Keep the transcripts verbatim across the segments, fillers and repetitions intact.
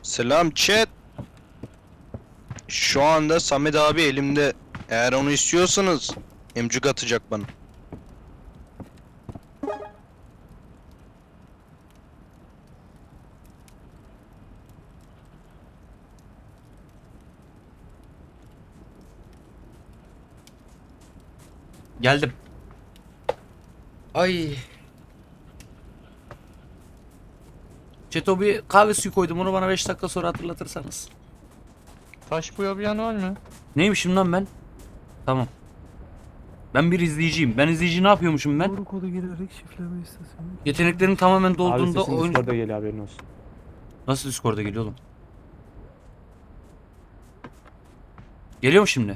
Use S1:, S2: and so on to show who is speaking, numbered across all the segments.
S1: Selam chat. Şu anda Samet abi elimde. Eğer onu istiyorsanız emcik atacak bana.
S2: Geldim. Ay. Çeto bir kahve suyu koydum, onu bana beş dakika sonra hatırlatırsanız.
S3: Taş boyayan var mı?
S2: Neymişim lan ben? Tamam. Ben bir izleyiciyim. Ben izleyici ne yapıyormuşum ben?
S4: Doğru kodu girerek şifreleme istasyonu.
S2: Yeteneklerin tamamen
S5: Abi
S2: dolduğunda
S5: sesin
S2: oyun...
S5: Discord'da geliyor, haberin olsun.
S2: Nasıl Discord'a geliyor oğlum? Geliyor mu şimdi?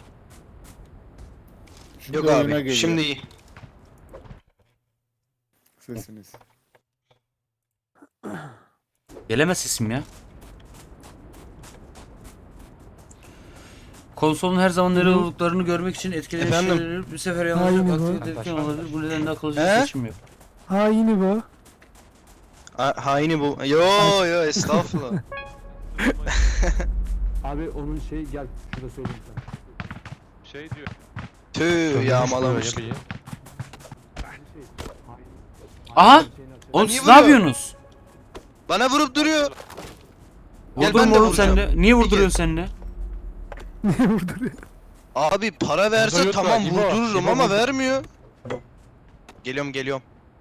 S6: Şimdi
S1: Yok
S6: oyuna
S1: abi
S6: geliyor
S1: şimdi iyi.
S6: sesiniz.
S2: Gelemez sesim ya. Konsolun her zaman nerede olduklarını görmek için etkileyici
S1: Efendim?
S2: şeyleri bir sefer
S4: Aynı
S2: yanılacak
S4: bu.
S2: aktif etken olabilir. Bu nedenle akıllıca
S1: He?
S2: seçim yok.
S4: Ha yine bu.
S1: Ha, haini bu. Yo yo estağfurullah.
S5: Abi onun şey, gel şurada söyleyeyim sana.
S3: Şey diyor.
S1: Tüh yağmalamış.
S3: Böyle bir-
S2: Aha! Oğlum
S1: niye
S2: siz ne
S1: vuruyor?
S2: yapıyorsunuz?
S1: Bana vurup duruyor. Gel,
S2: Vurdurma
S1: ben de
S2: oğlum sen
S1: vuracağım.
S2: de. Niye
S1: Bir
S2: vurduruyorsun sen de?
S4: Niye vurduruyor?
S1: Abi para verse
S3: Burada yok
S1: tamam
S3: da, İbo,
S1: vurdururum
S3: İbo
S1: ama
S3: vurdu.
S1: vermiyor. Geliyorum geliyorum.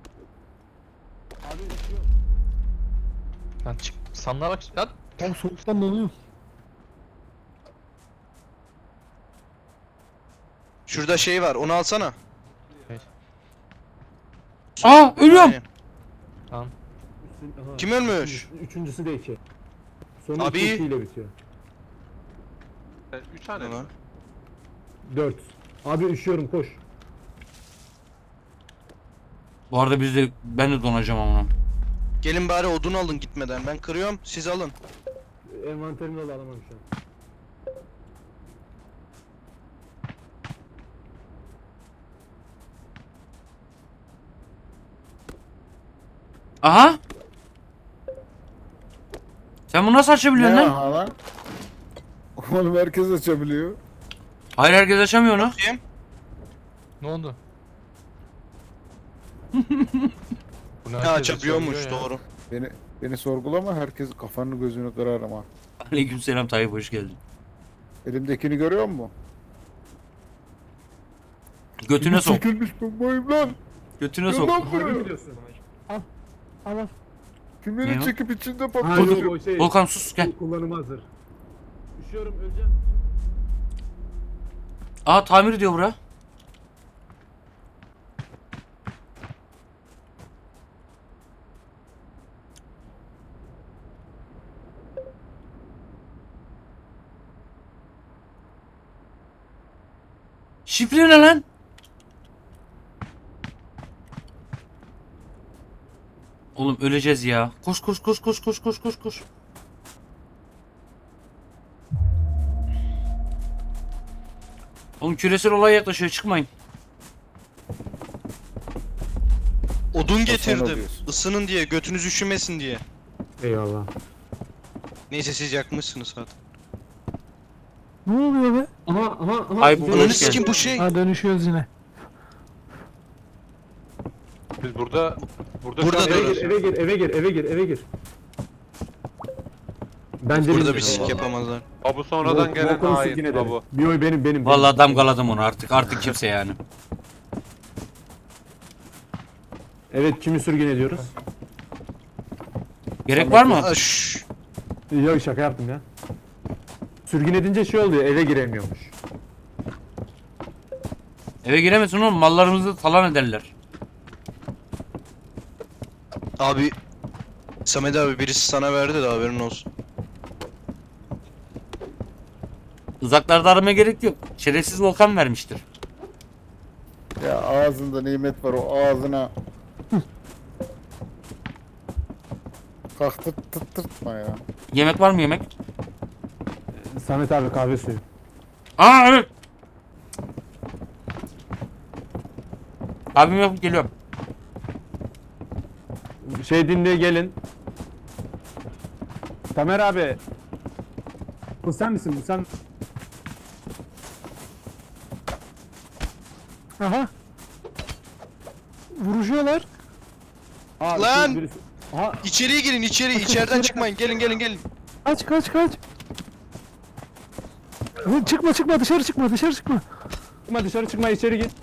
S3: Lan çık. Sanlara lan.
S4: Tam soğuktan donuyor.
S1: Şurada şey var onu alsana.
S2: Aa ölüyorum.
S1: Aynen.
S3: Tamam.
S5: Aha,
S1: Kim ölmüş?
S5: üçüncüsü- Üçüncüsü de iki. Sonu
S1: Abi.
S5: iki ile bitiyor.
S3: Üç tane.
S1: Ulan.
S5: Dört. Abi üşüyorum, koş.
S2: Bu arada biz de ben de donacağım ama.
S1: Gelin bari odun alın gitmeden. Ben kırıyorum siz alın.
S5: Envanterimi al, alamam şu an.
S2: Aha! Sen bunu nasıl açabiliyorsun
S6: Ne
S2: lan?
S6: aha lan? Oğlum herkes açabiliyor.
S2: Hayır, herkes açamıyor onu.
S1: Kim?
S3: Ne oldu? Bunu
S1: Ha
S3: herkes
S1: açabiliyormuş
S3: açabiliyor ya.
S1: doğru.
S6: Beni beni sorgulama, herkes kafanı gözünü kırarım ha.
S2: Aleykümselam Tayyip, hoş geldin.
S6: Elimdekini görüyor musun?
S2: Götüne sok.
S6: Çekilmiş bombayım lan.
S2: Götüne
S6: Ya
S2: sok.
S6: lan buraya.
S4: Al al.
S6: Kimleri
S2: Ne o?
S6: çekip içinde
S5: Ha
S6: patlatıyor.
S5: yok, o şey.
S2: Volkan sus gel.
S5: Kullanıma hazır. Üşüyorum, öleceğim.
S2: Aa tamir diyor bura. Şifre ne lan? Oğlum öleceğiz ya. Koş koş koş koş koş koş koş koş. Oğlum küresel olay yaklaşıyor, çıkmayın.
S1: Odun getirdim.
S6: alıyorsun.
S1: Isının diye götünüz üşümesin diye.
S5: Eyvallah.
S1: Neyse siz yakmışsınız zaten.
S4: Ne oluyor be?
S5: Aha aha aha.
S2: Ay, bu-
S5: Güzel.
S1: Ananı
S2: geldin.
S1: sikim bu şey.
S4: Ha dönüşüyoruz yine.
S3: Biz burada burada,
S1: Burada
S3: şu an
S5: Eve
S1: durun.
S5: gir, eve gir, eve gir, eve gir, eve gir. Bence
S1: Burada
S5: bilmiyorum.
S1: bir sik yapamazlar.
S3: Abu sonradan
S5: Volkan-
S3: gelen
S5: Volkan'ı
S3: hain.
S5: sürgün ederim.
S3: Abu.
S5: Bir oy benim, benim.
S2: Vallahi damgaladım onu artık. Artık kimse yani.
S5: Evet, kimi sürgün ediyoruz?
S2: Gerek var mı?
S1: Aa, şşş.
S5: Yok, şaka yaptım ya. Sürgün edince şey oluyor, eve giremiyormuş.
S2: Eve giremesin oğlum, mallarımızı talan ederler.
S1: Abi Samet abi birisi sana verdi de haberin olsun.
S2: Uzaklarda aramaya gerek yok. Şerefsiz Volkan vermiştir.
S6: Ya ağzında nimet var, o ağzına. Kalk tırt tırt tırtma ya.
S2: Yemek var mı yemek?
S5: Samet abi, kahve suyu.
S2: Aa evet. Abim yapıp geliyorum.
S5: Şey dinle, gelin. Tamer abi, Bu sen misin? Bu sen.
S4: Aha. Vuruşuyorlar.
S5: Aa,
S1: Lan!
S5: şu birisi- Aha,
S1: İçeriye girin içeri. İçeriden çıkmayın. Gelin gelin gelin.
S4: Kaç kaç kaç. Oğlum çıkma çıkma dışarı çıkma dışarı çıkma.
S5: çıkma dışarı çıkma, içeri git.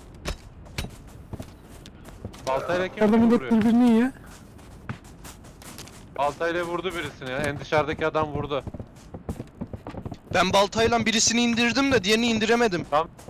S3: Baltayla kim
S4: Yardım millet
S3: vuruyor?
S4: birbirini yiyor.
S3: Baltayla vurdu birisini ya. En dışarıdaki adam vurdu.
S1: Ben baltayla birisini indirdim de diğerini indiremedim.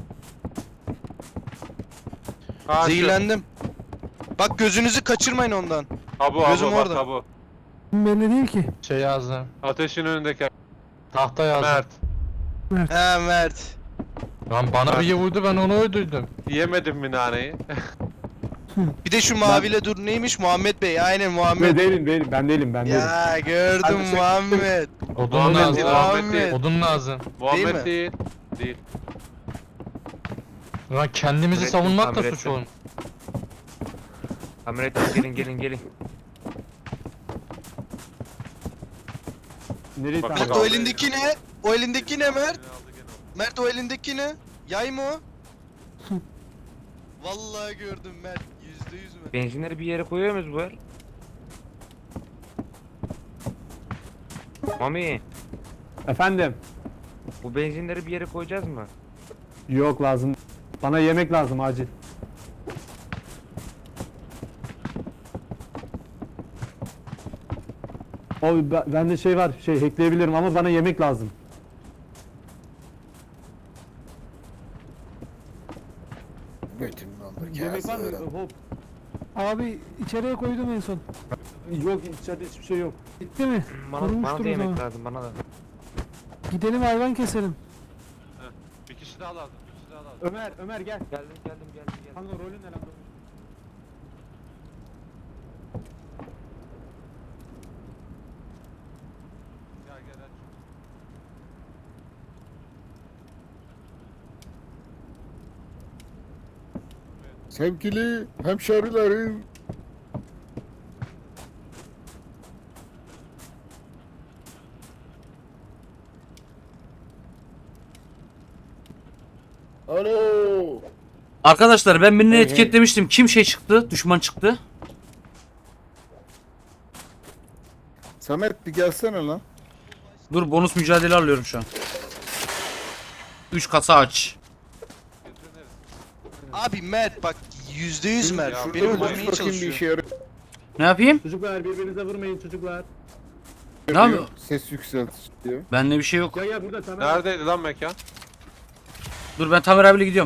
S3: Ha,
S1: Zehirlendim. Bak gözünüzü kaçırmayın ondan.
S3: Tabu
S1: Gözüm
S3: abu bak
S1: orada.
S3: tabu.
S4: Belli değil ki.
S7: Şey yazdım.
S3: Ateşin önündeki
S7: Tahta yazdım.
S3: Mert.
S1: He Mert.
S7: Lan bana bir vurdu, ben onu öldürdüm.
S3: Yemedim mi naneyi?
S1: Bir de şu maviyle dur neymiş Muhammed Bey. Aynen
S5: Ben
S1: Muhammed.
S5: değilim, değilim. Ben değilim, ben değilim.
S1: Ya gördüm
S5: Hadi sen-
S1: Muhammed.
S7: Odun
S3: Muhammed
S7: lazım.
S3: değil, Muhammed değil.
S1: Muhammed.
S7: Odun lazım.
S3: Muhammed
S1: mi?
S3: değil. Değil.
S7: Lan kendimizi
S2: Tamir ettim,
S7: savunmak da
S2: tamir
S7: suç
S2: ettim.
S7: oğlum.
S2: Tamir ettim, gelin gelin gelin.
S5: Nereye
S3: Bak,
S5: tamir-
S1: Mert
S3: bak.
S1: o elindeki ne? O elindeki ne Mert? Mert o elindeki ne? Yay mı o? Vallahi gördüm Mert. Yüzde yüz mü?
S2: Benzinleri bir yere koyuyor muyuz bu el? Mami,
S5: Efendim?
S2: bu benzinleri bir yere koyacağız mı?
S5: Yok, lazım. Bana yemek lazım acil. Abi be- bende şey var, şey hackleyebilirim ama bana yemek lazım.
S6: Götüm dondur.
S5: Yemek var mı?
S6: kağısı.
S5: Hop.
S4: Abi içeriye koydum en son.
S5: Yok, içeride hiçbir şey yok.
S4: Bitti mi?
S2: Bana, bana
S4: Korumuştur
S2: da
S4: o
S2: yemek
S4: zaman.
S2: lazım, bana da.
S4: Gidelim hayvan keselim.
S3: Bir kişi daha lazım. Bir kişi daha lazım.
S5: Ömer, Ömer gel.
S2: Geldim geldim geldim geldim.
S5: Kanka rolün ne lan?
S3: Gel gel aç.
S6: Sevgili hemşerilerim. Alo.
S2: Arkadaşlar ben birini
S6: Hey, hey.
S2: etiketlemiştim. Kim şey çıktı? Düşman çıktı.
S6: Samet bir gelsene lan.
S2: Dur, bonus mücadele alıyorum şu an. üç kasa aç.
S1: Abi Mert bak yüzde yüz Mert.
S3: Ya,
S1: Beni
S3: dur,
S6: Dur
S1: öldürmeye
S6: bakayım bir
S1: çalışıyor.
S6: işe yarıyor.
S2: Ne yapayım?
S5: Çocuklar birbirinize vurmayın çocuklar.
S2: Ne yapıyor?
S6: Ses yükselt diyor.
S2: Bende bir şey yok.
S5: Gel gel burada tamam.
S3: Neredeydi lan mekan?
S2: Dur, ben Tamer abiyle gidiyorum.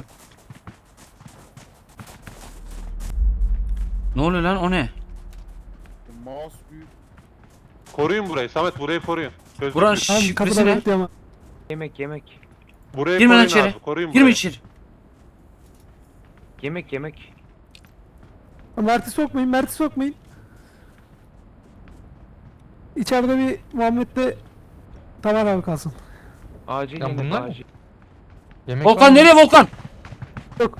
S2: Ne oluyor lan, o ne?
S6: Mouse büyük.
S3: Koruyun burayı. Samet burayı koruyun. Gözlük
S2: Buranın
S3: büyük.
S4: Abi
S2: şifresi
S4: kapıda
S2: ne?
S4: bekliyor ama.
S2: Yemek yemek.
S3: Burayı
S2: Girme lan
S3: koruyun
S2: içeri.
S3: abi. Koruyun
S2: Girme
S3: burayı.
S2: içeri. Yemek yemek.
S4: Mert'i sokmayın Mert'i sokmayın. İçeride bir Muhammed'de Tamer abi kalsın.
S2: Acil
S7: Lan
S2: yemek
S7: bunlar mı?
S2: acil.
S7: Yemek var
S2: Volkan
S7: mı?
S2: nereye Volkan?
S4: Yok.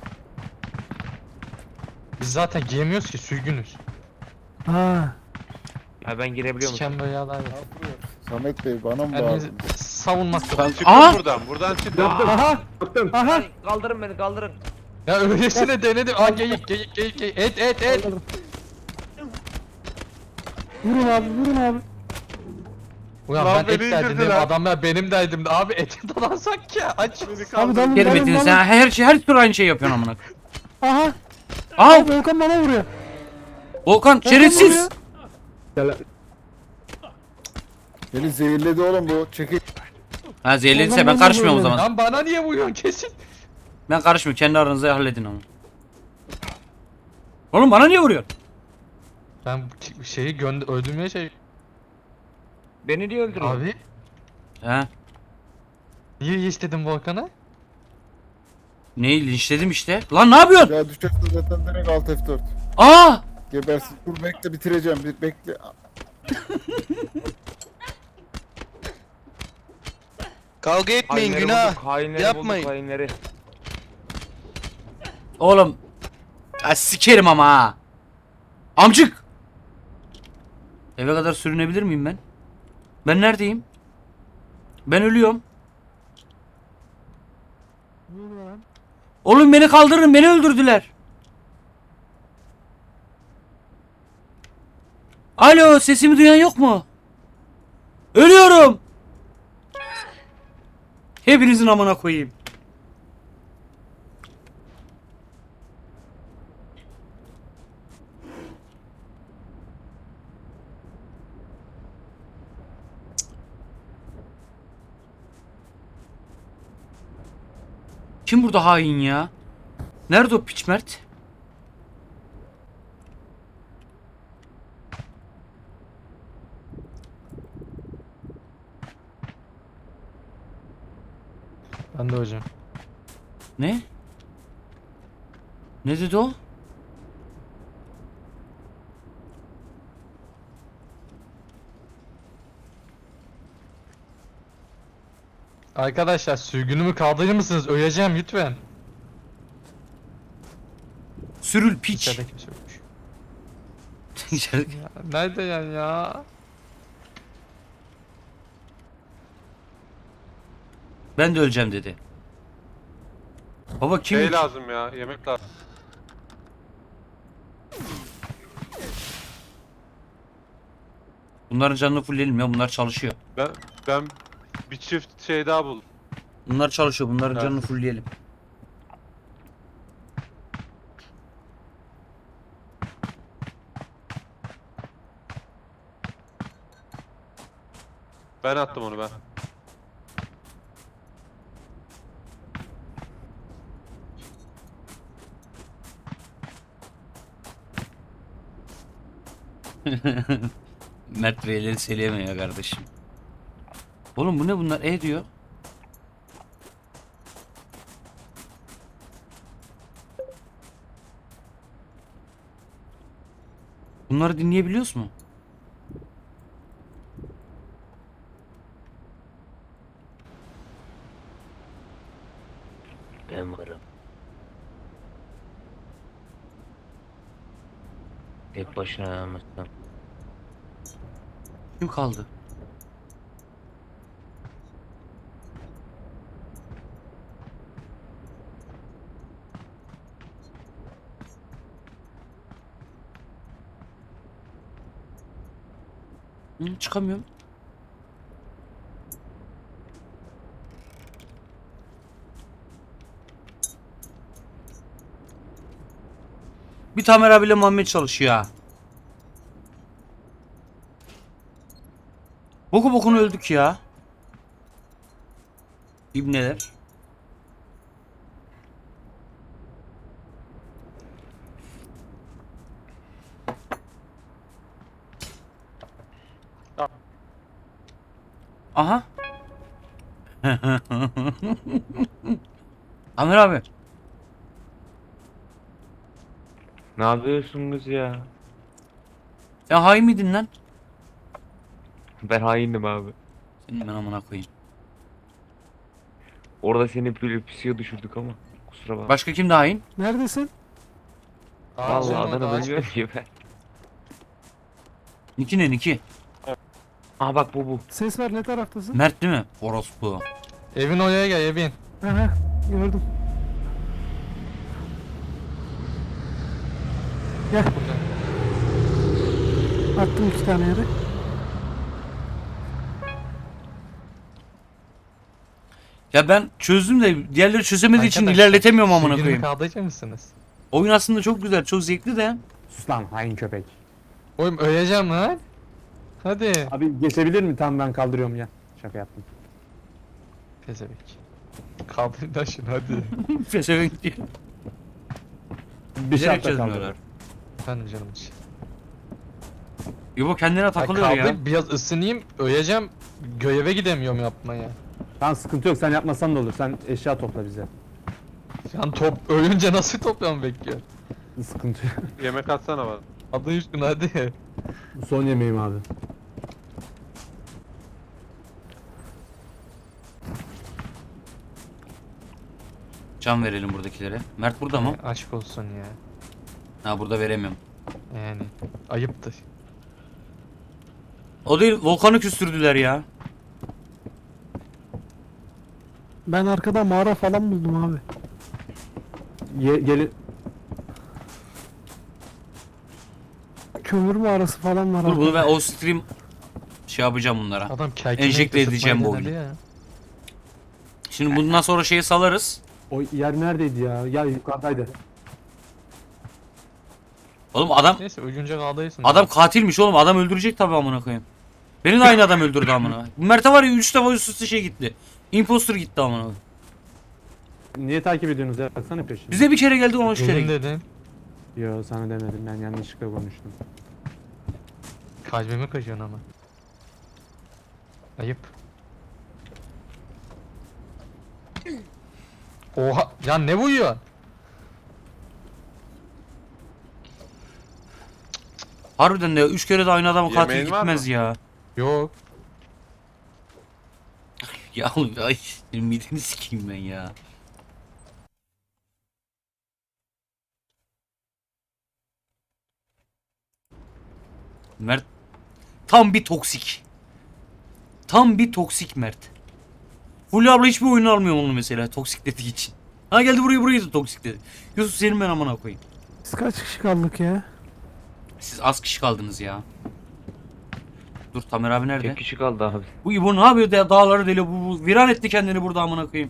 S7: Biz zaten giyemiyoruz ki, sürgünüz.
S4: Ha.
S2: Ha, ben girebiliyor musun?
S7: Siken böyle yağlar yok.
S6: Samet Bey bana mı
S7: Kendimizi
S6: bağırdın?
S7: savunmak da.
S3: Çıkın
S2: Aa!
S3: buradan. Buradan çıkın.
S4: Aha.
S5: Baktım.
S4: Aha.
S2: Kaldırın beni, kaldırın.
S7: Ya öylesine denedim. Aa geyik geyik geyik geyik. Et et et.
S4: Kaldırdım. Vurun abi vurun abi.
S7: Ulan
S3: Lan
S7: ben et
S3: beni
S7: derdim.
S3: indirdiler.
S7: Adamlar benim derdim. Abi eti dalansak ya. Aç.
S4: Abi dalın
S2: Geri
S4: dalın
S2: Metin,
S4: dalın.
S2: sen her şey her türlü aynı şey yapıyorsun amına.
S4: Aha.
S2: Aa,
S4: Abi Volkan bana vuruyor.
S2: Volkan
S4: Volkan
S2: şerefsiz.
S4: vuruyor.
S5: Gel.
S6: Beni zehirledi oğlum bu. Çekil.
S2: Ha, zehirlediyse
S4: Volkan
S2: ben
S4: bana
S2: karışmıyorum o
S4: vuruyor
S2: zaman.
S7: Lan bana niye vuruyorsun kesin?
S2: Ben karışmıyorum, kendi aranızda halledin onu. Oğlum bana niye vuruyorsun?
S7: Ben bu şeyi gönder öldürmeye şey.
S2: Beni niye öldürüyorsun?
S7: Abi
S2: He.
S7: niye istedim Volkan'a?
S2: Neyi linçledim işte. Lan ne yapıyorsun?
S6: Ya düşerse zaten direkt alt F dört.
S2: Aa!
S6: Gebersin. Dur bekle bitireceğim. Bir bekle.
S1: Kavga etmeyin
S2: Hainleri
S1: günah.
S2: bulduk, hainleri
S1: Yapmayın.
S2: bulduk, hainleri. Oğlum. Ya sikerim ama ha. Amcık. Eve kadar sürünebilir miyim ben? Ben neredeyim? Ben ölüyorum. Oğlum beni kaldırın, beni öldürdüler. Alo, sesimi duyan yok mu? Ölüyorum. Hepinizin amına koyayım. Kim burada hain ya? Nerede o piç Mert?
S7: Ben de hocam.
S2: Ne? Ne dedi o?
S7: Arkadaşlar sürgünümü kaldırır mısınız? Öleceğim lütfen.
S2: Sürül piç.
S7: İçeride kimse yokmuş.
S2: İçeride-
S7: Ya, nerede yani ya?
S2: Ben de öleceğim dedi. Baba kim?
S3: Şey lazım ya, yemek lazım.
S2: Bunların canını fullleyelim ya, bunlar çalışıyor.
S3: Ben ben bir çift şey daha buldum.
S2: Bunlar çalışıyor, bunların
S3: Evet.
S2: canını fullleyelim.
S3: Ben attım onu ben.
S2: Mert Beyleri söyleyemiyor kardeşim. Oğlum bu ne bunlar? E diyor. Bunları dinleyebiliyoruz mu? Ben varım. Tek başına yalnızsın. Kim kaldı? Hı, çıkamıyorum. Bir Tamer abiyle Muhammed çalışıyor ha. Boku bokunu öldük ya. İbneler. Aha. Tamer abi.
S8: Ne yapıyorsunuz ya?
S2: Ya hain miydin lan?
S8: Ben haindim abi.
S2: Senin ben amına koyayım.
S8: Orada seni böyle pisiye düşürdük ama. Kusura bakma.
S2: Başka kim de hain?
S4: Neredesin?
S7: Ağacın
S8: Vallahi
S7: orada,
S8: adını
S7: ağaç-
S8: bilmiyorum ki ben.
S2: Niki ne Niki?
S8: Aha bak bu bu.
S4: Ses ver, ne taraftasın?
S2: Mert değil mi? Orospu.
S7: Evin oraya gel evin.
S4: Aha, gördüm. Gel. Attım iki tane yere.
S2: Ya ben çözdüm de diğerleri çözemediği için
S7: Arkadaşlar,
S2: ilerletemiyorum amına
S7: sürgünümü
S2: koyayım.
S7: kaldıracak mısınız?
S2: Oyun aslında çok güzel, çok zevkli de.
S5: Sus lan hain köpek.
S7: Oğlum öleceğim lan. Hadi.
S5: Abi geçebilir mi? Tamam ben kaldırıyorum ya. Şaka yaptım.
S7: Pezevek. Kaldır da şunu hadi.
S2: Pezevenk diyor.
S5: Bir
S2: Bilerek
S5: şartla
S2: çözmüyorlar.
S5: kaldırıyorum.
S7: Efendim canım için.
S2: İbo kendine
S7: Ya
S2: takılıyor
S7: kaldır
S2: ya.
S7: biraz ısınayım öleceğim. Göreve gidemiyorum yapmaya.
S5: Tamam sıkıntı yok, sen yapmasan da olur. Sen eşya topla bize.
S7: Sen top ölünce nasıl toplam bekliyor?
S5: Sıkıntı yok.
S3: Yemek atsana bana.
S7: Adı üstüne hadi.
S5: Bu son yemeğim abi.
S2: Can verelim buradakilere. Mert burada mı?
S7: Aşk olsun ya.
S2: Ha burada veremiyorum.
S7: Yani ayıptır.
S2: O değil, Volkan'ı küstürdüler ya.
S4: Ben arkada mağara falan buldum abi.
S5: Ye, gelin.
S4: Kömür mağarası falan var.
S2: Dur bunu
S4: arkada.
S2: ben o stream şey yapacağım bunlara.
S7: Adam kerkine
S2: Enjekte edeceğim bu oyunu.
S7: Ya.
S2: Şimdi bundan sonra şeyi salarız.
S5: O yer neredeydi ya? Ya yukarıdaydı.
S2: Oğlum adam
S7: Neyse ölünce kaldıyısın.
S2: adam katilmiş oğlum. Adam öldürecek tabii amına koyayım. Beni de aynı adam öldürdü amına. Bu Mert'e var ya üç defa üst üste şey gitti. Imposter gitti amına. koyayım.
S5: Niye takip ediyorsunuz ya? Baksana peşine.
S2: Bize bir kere geldi ona üç kere
S7: Ölüm
S2: gitti.
S7: dedin.
S5: Yo sana demedim, ben yanlışlıkla konuştum.
S7: Kalbimi kaşıyorsun ama. Ayıp. Oha ya ne vuruyor?
S2: Harbiden de üç kere de aynı adamı katil
S3: Yemeğin var
S2: gitmez
S3: mı?
S2: ya.
S7: Yok.
S2: Ya ay mideni sikeyim ben ya. Mert tam bir toksik. Tam bir toksik Mert. Fulya abla hiçbir oyunu almıyor onu mesela toksik dediği için. Ha geldi buraya burayı da toksik dedi. Yusuf senin ben amına koyayım.
S4: Biz kaç kişi kaldık ya?
S2: Siz az kişi kaldınız ya. Dur Tamer abi nerede?
S8: Tek kişi kaldı abi.
S2: Bu İbo ne yapıyor da dağları deli bu, bu viran etti kendini burada amına koyayım.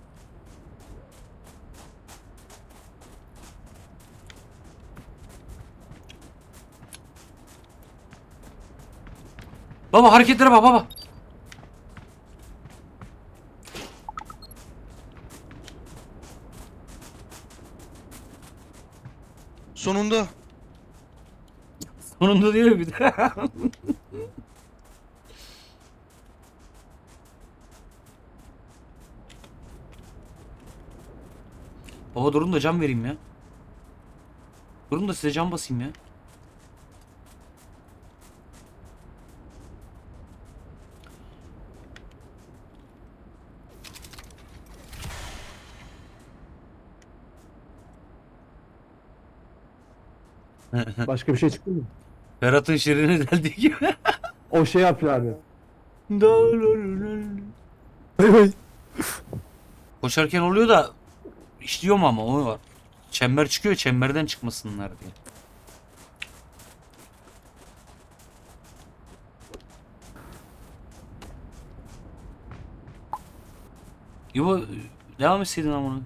S2: Baba hareketlere bak baba.
S1: Sonunda.
S2: Sonunda diyor bir de. Baba durun da cam vereyim ya. Durun da size cam basayım ya.
S5: Başka bir şey çıktı mı?
S2: Ferhat'ın şirini deldiği gibi.
S5: O şey yapıyor abi.
S2: Koşarken oluyor da işliyor mu ama o var. Çember çıkıyor çemberden çıkmasınlar diye. İbo devam etseydin ama.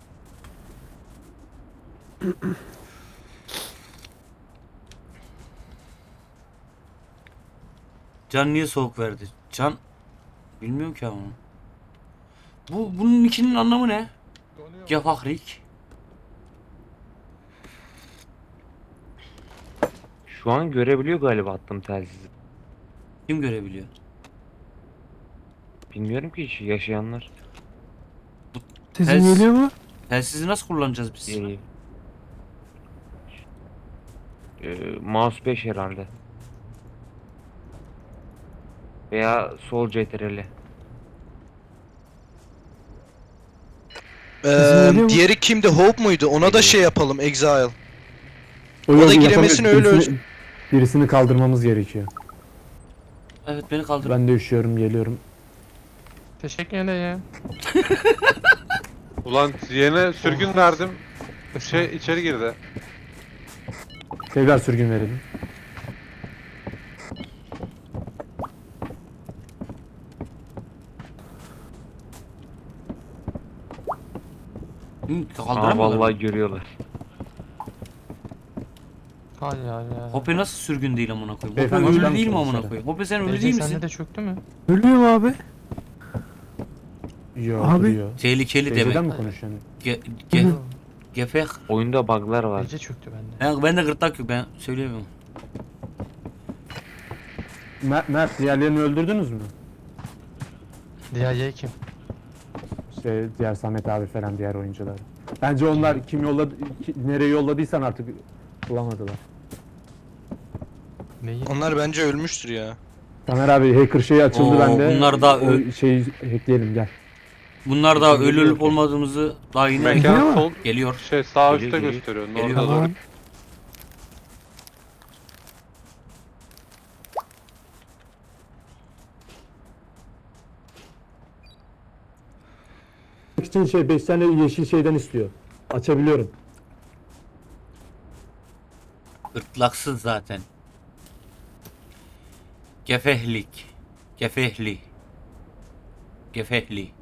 S2: Can niye soğuk verdi? Can bilmiyorum ki ama. Bu bunun ikinin anlamı ne? Gefahrik.
S8: Şu an görebiliyor galiba attığım telsizi.
S2: Kim görebiliyor?
S8: Bilmiyorum ki hiç yaşayanlar.
S4: Sesim
S2: Ters-
S4: geliyor mu?
S2: Telsizi nasıl kullanacağız biz?
S8: Ee, e, mouse beş herhalde. Veya sol C T R L.
S1: Ee,
S4: geliyor mu?
S1: diğeri kimdi? Hope muydu? Ona da şey yapalım. Exile.
S5: O
S1: O
S5: yok,
S1: da
S5: yapamıyor.
S1: giremesini öyle
S5: Birisini, birisini kaldırmamız gerekiyor.
S2: Evet beni kaldır.
S5: Ben de üşüyorum, geliyorum.
S7: Teşekkür ederim.
S3: Ulan yine sürgün verdim. Şey içeri girdi.
S5: Tekrar sürgün verelim.
S2: Hı,
S8: Aa
S2: kaldıramıyorlar.
S8: vallahi görüyorlar.
S7: Hay ya ya.
S2: Hoppe nasıl sürgün değil amına koyayım? Hoppe
S5: Beyefendi,
S2: ölü
S5: çıkar
S2: değil mi
S5: mısınız
S2: amına
S5: dışarı?
S2: koyayım? Hoppe sen ölü
S7: Ece
S2: değil
S7: sende
S2: misin?
S7: de çöktü mü?
S4: Ölüyor mu abi?
S5: Yo,
S4: Abi.
S5: duruyor.
S2: Tehlikeli
S5: Teyzeden
S2: demek.
S5: mi konuşuyorsun?
S2: Ge ge
S4: Hı.
S2: gefek.
S8: Oyunda bug'lar var.
S7: Ece çöktü bende.
S2: Ben, ben de gırtlak yok ben söyleyemiyorum.
S5: Mert, Mert, diğerlerini öldürdünüz mü?
S7: Diğer yay kim?
S5: Şey, diğer Samet abi falan, diğer oyuncular. Bence onlar kim yolladı, ki- nereye yolladıysan artık bulamadılar.
S7: Neyi?
S1: Onlar bence ölmüştür ya.
S5: Tamer abi hacker şeyi açıldı
S2: Oo,
S5: bende.
S2: bunlar da
S5: o
S2: ö-
S5: şeyi hackleyelim gel.
S2: Bunlar da
S5: Geliyor
S2: ölü olup
S5: ki.
S2: olmadığımızı daha yeni
S4: Geliyor
S3: Mekan
S4: mu?
S3: sol
S2: geliyor.
S3: şey sağ
S8: Geliyor,
S3: üstte
S8: geliyor.
S3: gösteriyor.
S2: Geliyor.
S3: Orada doğru.
S4: Tamam.
S5: için şey beş tane yeşil şeyden istiyor. Açabiliyorum.
S2: Gırtlaksız zaten. Gefehlik. Gefehli. Gefehli.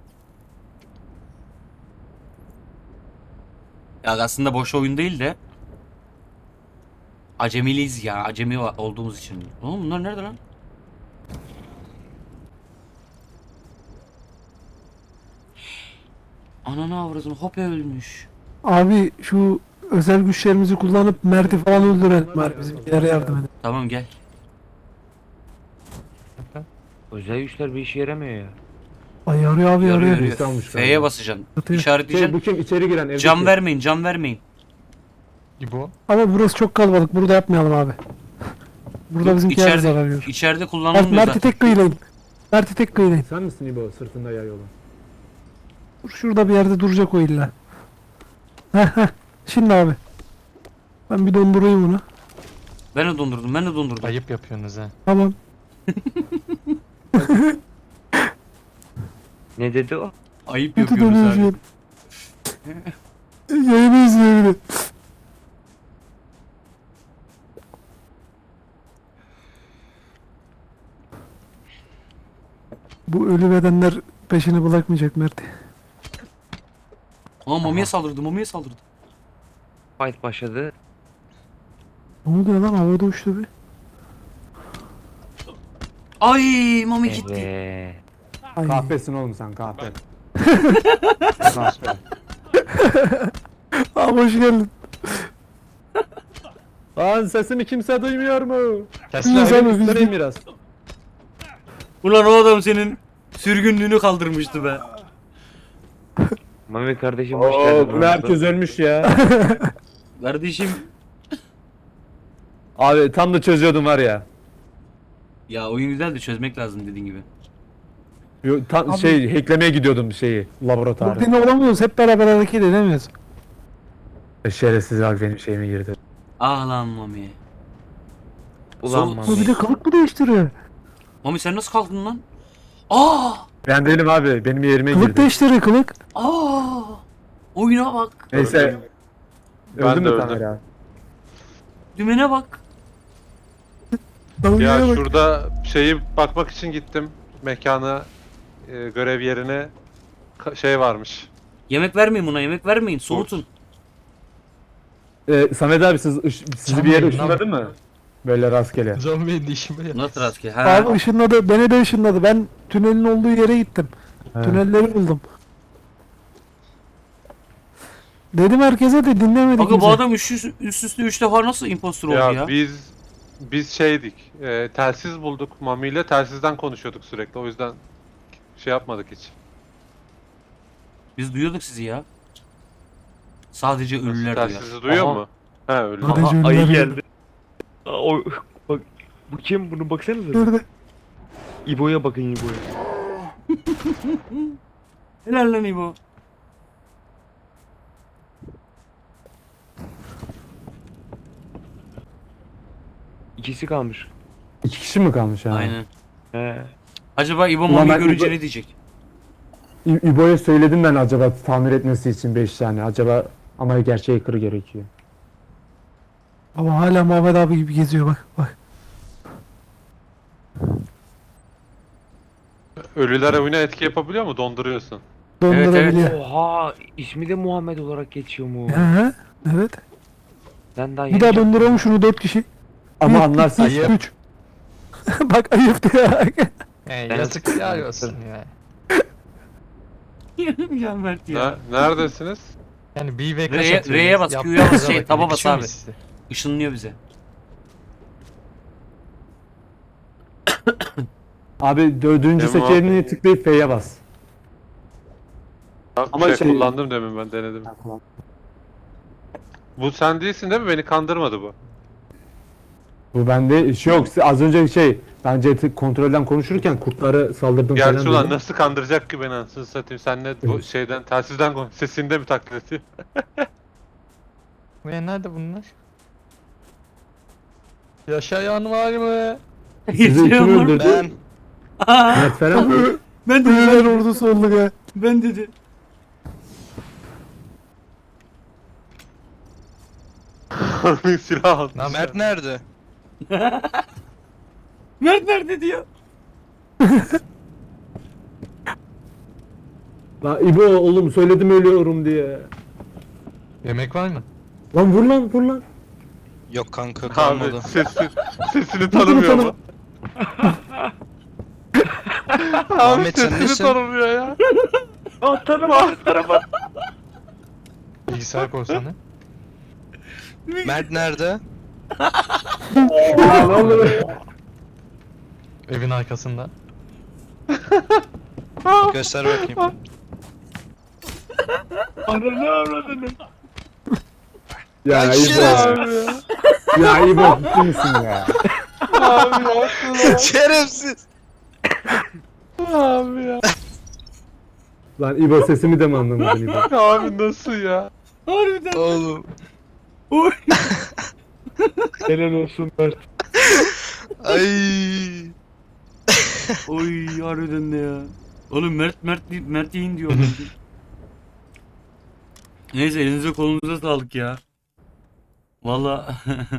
S2: Ya aslında boş oyun değil de acemiliyiz ya. Acemi va- olduğumuz için. Oğlum bunlar nerede lan? Ananı avradını hop ölmüş.
S4: Abi şu özel güçlerimizi kullanıp Mert'i falan öldürelim bari bizimkilere yardım edin.
S2: Tamam gel.
S8: Özel güçler bir işe yaramıyor ya.
S4: Ay yarıyor abi
S2: Yarıyor
S4: yarıyor.
S2: yarıyor.
S5: Birisi almış
S2: F'ye
S5: galiba.
S2: basacaksın.
S4: Atıyor.
S5: Şey,
S2: İşaretleyeceksin.
S5: bu kim? İçeri giren evdeki.
S2: Cam vermeyin, cam vermeyin.
S7: İbo.
S4: Ama burası çok kalabalık. Burada yapmayalım abi. Burada
S2: Yok,
S4: bizimkiler
S2: içeride-
S4: zarar görür.
S2: İçeride
S4: Mert,
S2: kullanılmıyor
S4: Mert'i
S2: zaten.
S4: tek kıyılayın. Mert'i tek kıyılayın.
S5: Sen misin İbo sırtında yay olan?
S4: Dur şurada bir yerde duracak o illa. Heh heh. Şimdi abi. Ben bir dondurayım onu.
S2: Ben de dondurdum, ben de dondurdum.
S7: Ayıp yapıyorsunuz ha.
S4: Tamam.
S8: Ne dedi o?
S2: Ayıp
S4: Kötü
S2: yapıyoruz
S4: dönüyor
S2: abi.
S4: şu an. Yayını izliyor bir de. Bu ölü bedenler peşini bırakmayacak Mert.
S2: Aa mamiye saldırdı, mamiye saldırdı.
S8: Fight başladı.
S4: Ne oluyor lan havada uçtu bir.
S2: Ay mami gitti.
S8: Evet.
S4: Ay.
S5: Kahpesin oğlum sen kahpe.
S4: Abi hoş geldin.
S5: Lan sesimi kimse duymuyor mu?
S7: Kesler.
S4: Biz abi biz
S5: Üstleneyim biraz.
S2: Ulan o adam senin sürgünlüğünü kaldırmıştı be.
S8: Mami kardeşim hoş geldin.
S5: Oo, herkes ölmüş ya.
S2: Kardeşim.
S5: Abi tam da çözüyordum var ya.
S2: Ya oyun güzel de çözmek lazım dediğin gibi.
S5: Yo, tam
S4: Abi-
S5: şey hacklemeye gidiyordum şeyi laboratuvarı.
S4: Burada olamıyoruz. Hep beraber hareket edemiyoruz.
S5: Şerefsiz abi benim şeyime girdi.
S2: Ah lan mami.
S8: Ulan
S2: Sol-
S4: Bu
S8: Mami.
S4: bir de kılık mı değiştiriyor?
S2: Mami sen nasıl kaldın lan? Aa!
S5: Ben değilim abi benim yerime
S4: Kılık
S5: girdi.
S4: değiştiriyor kılık.
S2: Aa! Oyuna bak.
S5: Neyse.
S3: Ben
S5: Öldü
S3: de
S5: mü
S3: öldüm.
S5: Tamer abi?
S2: Dümene bak.
S4: Dalgaya
S3: Ya
S4: bak.
S3: şurada şeyi bakmak için gittim. Mekana, e, görev yerine ka- şey varmış.
S2: Yemek vermeyin buna, yemek vermeyin. Soğutun.
S5: Ee, Samet abi siz, ış- sizi
S7: Can
S5: bir yere
S7: Bey,
S5: ışınladı mı? Böyle rastgele.
S7: Zombi'nin işimi yap.
S2: Nasıl rastgele? Ha.
S4: Abi ışınladı. Beni de ışınladı. Ben tünelin olduğu yere gittim.
S5: He.
S4: Tünelleri buldum. Dedim herkese de dinlemedi
S2: Aga
S4: kimse.
S2: bu adam üst, üst, üst üste üç defa nasıl impostor oldu
S3: Ya,
S2: ya?
S3: biz biz şeydik. E, telsiz bulduk Mami ile telsizden konuşuyorduk sürekli. O yüzden şey yapmadık hiç.
S2: Biz duyuyorduk sizi ya. Sadece
S3: Nasıl,
S2: ölüler duyar.
S3: telsizi duyuyor
S8: Aha.
S3: mu? He öyle.
S4: Hadi.
S8: Aha,
S4: Gönderdim.
S8: ayı geldi. Aa, o, bak bu kim? Bunu baksanıza.
S4: Nerede?
S8: İbo'ya bakın İbo'ya.
S2: Helal lan İbo.
S8: İkisi kalmış.
S5: İki kişi mi kalmış ha?
S2: Aynen.
S8: He.
S2: Acaba İbo
S5: Ulan
S2: Mami
S5: ben
S2: görünce
S5: İbo-
S2: ne diyecek?
S5: İ- İbo'ya söyledim ben acaba tamir etmesi için beş tane. Acaba ama gerçeği kırı gerekiyor.
S4: Ama hala Muhammed abi gibi geziyor bak bak.
S3: Ölüler oyuna etki yapabiliyor mu? Donduruyorsun.
S4: Dondurabiliyor.
S8: Oha ismi de Muhammed olarak geçiyor mu?
S4: Hı hı. Evet.
S8: Ben daha
S4: Bir daha donduralım şunu dört kişi.
S5: Ama
S4: Bir,
S5: anlarsın
S4: iki,
S5: işte.
S4: üç. Bak ayıp diyor.
S7: He,
S8: Ben-
S7: yazık ya olsun ya.
S2: ya Mert ya.
S3: Ne, neredesiniz?
S7: Yani bir ve kaç
S2: R'ye-
S7: atıyorsunuz?
S2: R'ye bas,
S7: Yaptığınıza
S2: Q'ya bas, şey,
S7: bakın,
S2: taba bas
S7: yakışıyor mu
S2: abi.
S7: size?
S2: Işınlıyor bize.
S5: Abi dördüncü
S3: Tamam.
S5: seçeneğini tıklayıp F'ye bas.
S3: Ama
S5: Ama
S3: şey,
S5: şey-
S3: kullandım demin ben denedim. Bu sen değilsin değil mi? Beni kandırmadı bu.
S5: Bu bende şey yok. Az önce şey bence tık- kontrolden konuşurken kurtları saldırdım falan
S3: Gerçi ulan
S5: dedim.
S3: nasıl kandıracak ki beni anasını satayım. Sen ne bu şeyden telsizden konuş. Sesinde mi taklit ediyor?
S7: Ve nerede bunlar? Yaşayan var mı?
S5: Sizi kim
S2: Yaşıyor mu?
S5: öldürdü?
S1: Ben
S2: Aa,
S5: Mert falan mı?
S2: ben dedi,
S4: Ölüler
S2: ben,
S4: ordusu olduk ha.
S2: ben dedi.
S3: Harbi silah aldı.
S7: Lan
S1: Mert nerede?
S2: Mert nerede diyor.
S5: Lan İbo oğlum söyledim ölüyorum diye.
S7: Yemek var mı?
S5: Lan vur lan vur lan.
S1: Yok kanka
S3: Abi
S1: kalmadı.
S3: sesi, sesini tanımıyor mu? Abi
S1: Ahmet, sen
S3: sesini
S1: nesin?
S3: tanımıyor ya.
S8: Aa tarama tarama.
S7: Bilgisayar korsanı.
S1: Mert nerede?
S7: Evin arkasında.
S1: Göster bakayım.
S8: Ananı avradını.
S5: Ya
S1: Ay,
S5: İbo.
S1: şerefsiz.
S5: Ya İbo ciddi misin ya?
S3: Abi ya.
S1: Şerefsiz.
S3: Abi ya.
S5: Lan İbo sesimi de mi anlamadın İbo?
S3: Abi nasıl ya?
S2: Harbiden.
S1: Oğlum.
S2: Oy.
S8: Helal olsun Mert.
S1: Ay.
S2: Oy harbiden de ya. Oğlum Mert Mert Mert yiyin diyor. Neyse elinize kolunuza sağlık ya. Valla